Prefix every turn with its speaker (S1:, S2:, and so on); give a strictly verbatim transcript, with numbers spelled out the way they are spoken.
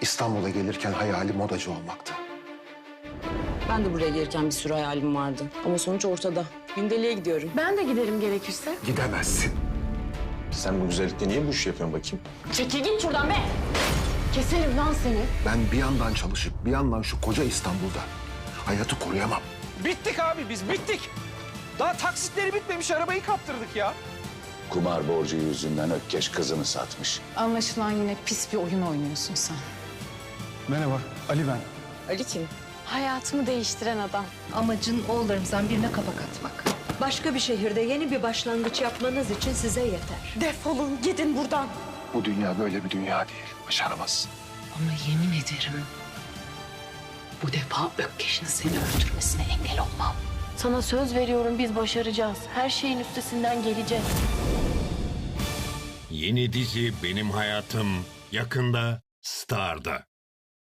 S1: İstanbul'a gelirken hayali modacı olmaktı.
S2: Ben de buraya gelirken bir sürü hayalim vardı. Ama sonuç ortada. Gündeliğe gidiyorum.
S3: Ben de giderim gerekirse.
S1: Gidemezsin.
S4: Sen bu güzellikle niye bu işi yapıyorsun bakayım?
S3: Çekil git şuradan be! Keserim lan seni.
S1: Ben bir yandan çalışıp bir yandan şu koca İstanbul'da hayatı koruyamam.
S5: Bittik abi biz bittik. Daha taksitleri bitmemiş arabayı kaptırdık ya.
S6: Kumar borcu yüzünden Ökkeş kızını satmış.
S3: Anlaşılan yine pis bir oyun oynuyorsun sen.
S7: Merhaba, Ali ben.
S2: Ali kim?
S3: Hayatımı değiştiren adam.
S8: Amacın oğullarımızdan birine kapak atmak. Başka bir şehirde yeni bir başlangıç yapmanız için size yeter.
S3: Defolun gidin buradan.
S1: Bu dünya böyle bir dünya değil. Başaramazsın.
S8: Ama yemin ederim bu defa Ökkeş'in seni öldürmesine engel olmam.
S3: Sana söz veriyorum biz başaracağız. Her şeyin üstesinden geleceğiz.
S9: Yeni dizi Benim Hayatım yakında Star'da.